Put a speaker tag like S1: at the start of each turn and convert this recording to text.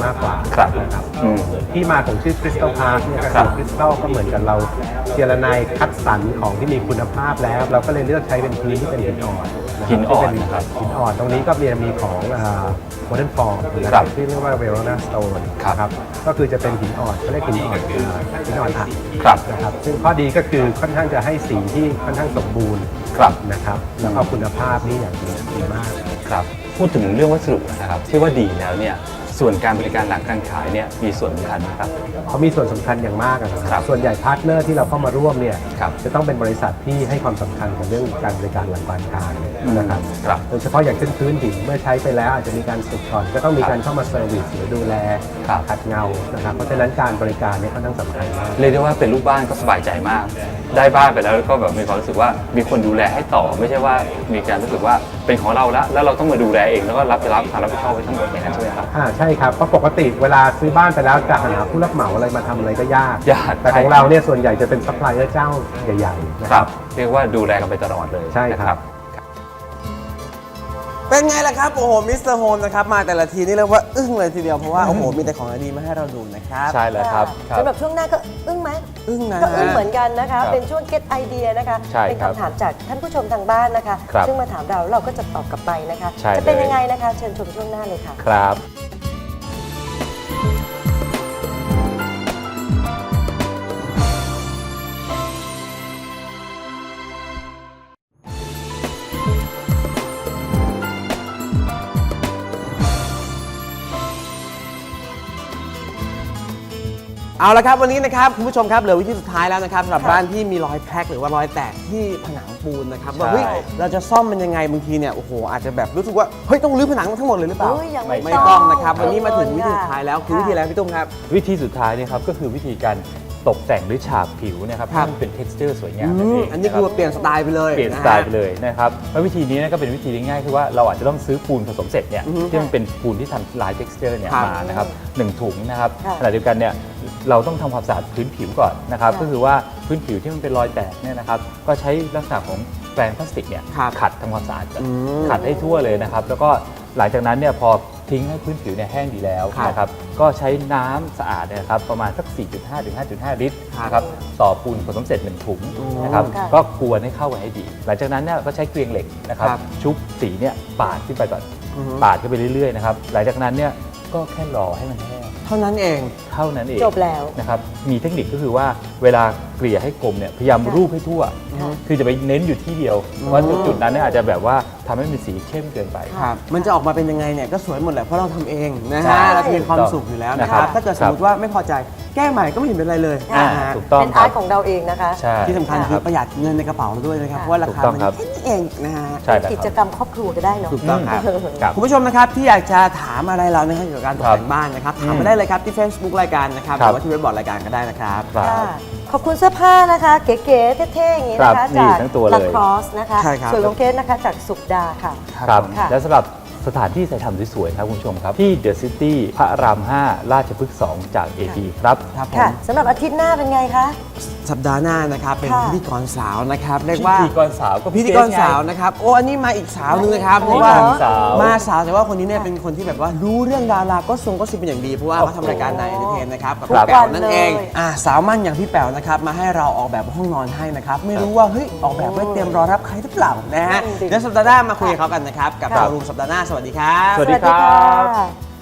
S1: มากกว่า
S2: ครับ
S1: นะครับที่มาของชื่อคริสตัลพาร์คเนี่ยก็คือคริสตัลก็เหมือนกับเราเจรนายคัดสรรของที่มีคุณภาพแล้วเราก็เลยเลือกใช้เป็นพื้นที่เป็นหินอ่อน
S2: หินอ่อน
S1: ที่เป็
S2: นะครับ
S1: หินอ่อนตรงนี้ก็มีของโมเดิร์นฟอร์มนะ
S2: ค
S1: ค
S2: รั
S1: รั
S2: บบ
S1: ที่เรียกว่าเวโรนาสโตน
S2: ครับ
S1: ก็คือจะเป็นหินอ่อนเขาเรียกหินอ่อนหินอ่อนอัด
S2: ครับ
S1: นะครับซึ่งข้อดีก็คือค่อนข้างจะให้สีที่ค่อนข้างสมบูรณ์
S2: ครับ
S1: นะครับแล้วก็คุณภาพนี่อย่างดีมาก
S2: ครับพูดถึงเรื่องวัสดุนะครับที่ว่าดีแล้วเนี่ยส่วนการบริการหลังการขายเนี่ยมีส่วนสำคัญไหมครับ
S1: เขามีส่วนสำคัญอย่างมากนะค
S2: ครั
S1: รับ ส่วนใหญ่พาร์ทเนอร์ที่เราเข้ามาร่วมเนี่ย
S2: ครับ
S1: จะต้องเป็นบริษัทที่ให้ความสำคัญกับเรื่องการบริการหลังการขายนะครับ
S2: ครับ
S1: โดยเฉพาะอย่างเช่นพื้นหินเมื่อใช้ไปแล้วอาจจะมีการสึกก่อนก็ต้องมีการเข้ามาเซอร์วิสหรือดูแล
S2: ครับ
S1: ขัดเงานะครับเพราะฉะนั้นการบริการเนี่ยค่อนข้างสำคัญมาก
S2: เรียกได้ว่าเป็นลูกบ้านก็สบายใจมาก ได้บ้านไปแล้วก็แบบมีความรู้สึกว่ามีคนดูแลให้ต่อ ไม่ใช่ว่ามีการรู้สึกว่าเป็นของเราแล้วเราต้องมาดูแลเองแล้วก็รับความรับผิดชอบไว้ทั้งหมดอย่างนั้นใช่ไหมครับ
S1: ใช่ครับเพราะปกติเวลาซื้อบ้านไปแล้วจะหาผู้รับเหมาอะไรมาทำอะไรก็ยาก
S2: ยาก
S1: แต่ของเราเนี่ยส่วนใหญ่จะเป็นซัพพลายเออร์เจ้าใหญ่ๆนะ
S2: ค
S1: ค
S2: รั
S1: รั
S2: บบ เรียกว่าดูแลกันไปตลอดเลย
S1: ใช่ครับ
S2: นะ
S3: เป็นไงล่ะครับ โอ้โห มิสเตอร์โฮมนะครับ มาแต่ละทีนี่เรียกว่าอึ้งเลยทีเดียว เพราะว่า โอ้โห มีแต่ของดีๆมาให้เราดูนะครับ
S2: ใช่แล้วครับครับ
S4: สำหรับช่วงหน้าก็อึ้งไหม
S3: อึ้งนะ
S4: ก็อึ้งเหมือนกันนะคะ
S2: ครับ
S4: เป็นช่วง get idea นะคะ
S2: ใช่
S4: เป็น
S2: ครับ
S4: คำถามจากท่านผู้ชมทางบ้านนะคะ
S2: ครับ
S4: ซึ่งมาถามเราก็จะตอบกลับไปนะคะ
S2: ใช่
S4: จะเป็น
S2: เลย
S4: ยังไงนะคะ เชิญชมช่วงหน้าเลยค่ะ
S2: ครับ
S3: เอาละครับวันนี้นะครับคุณผู้ชมครับเหลือวิธีสุดท้ายแล้วนะครับสำหรับบ้านที่มีรอยแพรกหรือว่ารอยแตกที่ผนังปูนนะครับว่า
S2: ใช่
S3: เฮ้ยเราจะซ่อมมันยังไงบางทีเนี่ยโอ้โหอาจจะแบบรู้สึกว่าเฮ้ยต้องรื้อผนังทั้งหมดเลยหรือเปล่า
S4: โอ้ยยังไม่
S3: ไม่ต้องนะครับ
S4: ต้อง
S3: วันนี้มาถึงวิธีสุดท้ายแล้วคือวิธีอะไรพี่ตุ้มครับ
S2: วิธีสุดท้ายเนี่ยครับก็คือวิธีการตกแต่งหรือฉาบผิวเนะครับ
S3: ครั
S2: ให้
S3: บ
S2: มันเป็น texture สวยงามนั่นเอง
S3: อันนี้คือเปลี่ยนสไตล์ไปเลย
S2: เปลี่ยนสไตล์ไปเลยนะครับแล้ววิธีนี้ก็เป็นวิธีที่ง่ายคือว่าเราอาจจะต้องซื้อปูนผสมเสร็จเนี่ยที่มันเป็นปูนที่ทำลาย texture เนี่ยมานะครับ1ถุงนะครับ
S4: ค่ะ
S2: ขณะเดียวกันเนี่ยเราต้องทำความสะอาดพื้นผิวก่อนนะครับ
S4: ค่ะ
S2: ก็คือว่าพื้นผิวที่มันเป็นรอยแตกเนี่ยนะครับก็ใช้ลักษณะของแปรงพลาสติกเนี่ย
S3: ครับ
S2: ขัดทำความสะอาดก่อน
S3: ม
S2: ขัดให้ทั่วเลยนะครับแล้วก็หลังจากนั้นเนี่ยพอทิ้งให้พื้นผิวเนี่ยแห้งดีแล้ว
S3: ครับ
S2: นะครับก็ใช้น้ำสะอาดเนยนะครับประมาณสัก 4.5 ถึง 5.5 ลิตร
S3: ครับ
S2: นะครับต่อปูนผสมเสร็จ1ถุงนะครับ
S4: ค่ะ
S2: ก็กวนให้เข้ากันให้ดี หลังจากนั้นเนี่ยก็ใช้เกลียงเหล็กนะครับ
S3: ครับ
S2: ชุบสีเนี่ยปาดขึ้นไปก่อน
S3: อือฮึ
S2: ปาดขึ้นไปเรื่อยๆนะครับหลังจากนั้นเนี่ยก็แค่รอให้มันแห้ง
S3: เท่านั้นเอง
S2: เท่านั้นเอง
S4: จบแล้ว
S2: นะครับมีเทคนิคก็คือว่าเวลาเกลี่ยให้กลมเนี่ยพยายามรูปให้ทั่ว คือจะไปเน้นอยู่ที่เดียวเพราะจุดนั้นเนี่ยอาจจะแบบว่าทำให้มันสีเข้มเกินไป
S3: ครับมันจะออกมาเป็นยังไงเนี่ยก็สวยหมดแหละเพราะเราทำเองนะ
S2: ใช่
S3: ฮะเราจะมีความสุขอยู่แล้วนะค
S2: ครั
S3: รับบ ถ้าเกิดสมมติว่าไม่พอใจแก้ใหม่ก็ไม่เห็นเป็นไรเลย
S4: ค่ะ
S3: นะฮะ
S2: ถูกต้อง
S4: เป็น
S2: ค
S4: อา
S2: รั
S4: ร์
S2: บ
S4: ตของเราเองนะคะ
S2: ใช่
S3: ที่สำคัญคือประหยัดเงินในกระเป๋าเราด้วยนะครับ
S4: ค่ะ
S3: เพราะว่ารา
S2: ถูก
S3: คา
S2: ต้อง
S3: มัน
S2: ครับ
S3: แค่นี้เองนะฮะ
S2: ใช่แล้ว
S4: กิ
S2: ค
S4: จ
S2: รับ
S4: กรรมครอบครัวก็ได้เนาะ
S3: ถูกต้องครับ
S2: ครับ
S3: คุณผู้ชมนะครับที่อยากจะถามอะไรเรานะครับเกี่ยวกับการตก
S2: ครับ
S3: แต่งบ้านนะครับถามมาได้เลยครับที่ Facebook รายการนะครับห
S2: ครั
S3: รื
S2: บ
S3: อว่าที่เว็บบอร์ดรายการก็ได้นะครับ
S2: ครับ
S4: ค่ะขอบคุณเสื้อผ้านะคะ เก๋ๆเท่ๆอย่างนี้นะ
S2: ครั
S4: คะ
S2: บนี่
S4: จาก
S2: ทั้งตัวเลย
S4: ลาครอสนะคะ
S3: ใช่ครับ
S4: ส่วนของเคสนะคะจากสุขดาค่ะ
S2: ครับ
S4: ค่ะ
S2: และสำหรับสถานที่ถ่ายทำสวยๆครับคุณผู้ชมครับ ที่เดอะซิตี้พระราม 5 ราชพฤกษ์ 2 จาก AP ครับ
S3: ครับผม
S4: ค่ะสำหรับอาทิตย์หน้าเป็นไงคะ
S3: สัปดาห์หน้านะครับเป็น
S4: ค่ะ
S3: พิธีกรสาวนะครับเรียกว่า
S2: พิธีกรสาวก็
S3: พิธีกรสาวนะครับโอ้อันนี้มาอีกสาวหนึงนะครับเพ
S4: อ๋อ
S3: ราะว่า
S2: สาว
S3: มาสาวแต่ว่าคนนี้เนี่ยเป็นคนที่แบบว่ารู้เรื่องดาราก็ทรงก็ซิบเป็นอย่างดีเพราะว่าเขาทำรายการไหนเอนเตอร์เทนนะครับกับ
S4: ทุก
S3: พี่แป๋ว
S4: วัน
S3: นั่นเอง
S4: เลย
S3: สาวมั่นอย่างพี่แป๋วนะครับมาให้เราออกแบบห้องนอนให้นะครับไม่รู้ว่าเฮ้ยออกแบบไว้เตรียมรอรับใครหรือเปล่านะฮะ
S4: นั่นดิ
S3: เดี๋ยวสัปดาห์หน้ามาคุยกับเขากันนะครับกับ
S2: ครับ
S3: โชว์รูมสัปดาห์หน้าสวัสดีครับ
S2: สวัสดีครับ
S4: ค่ะ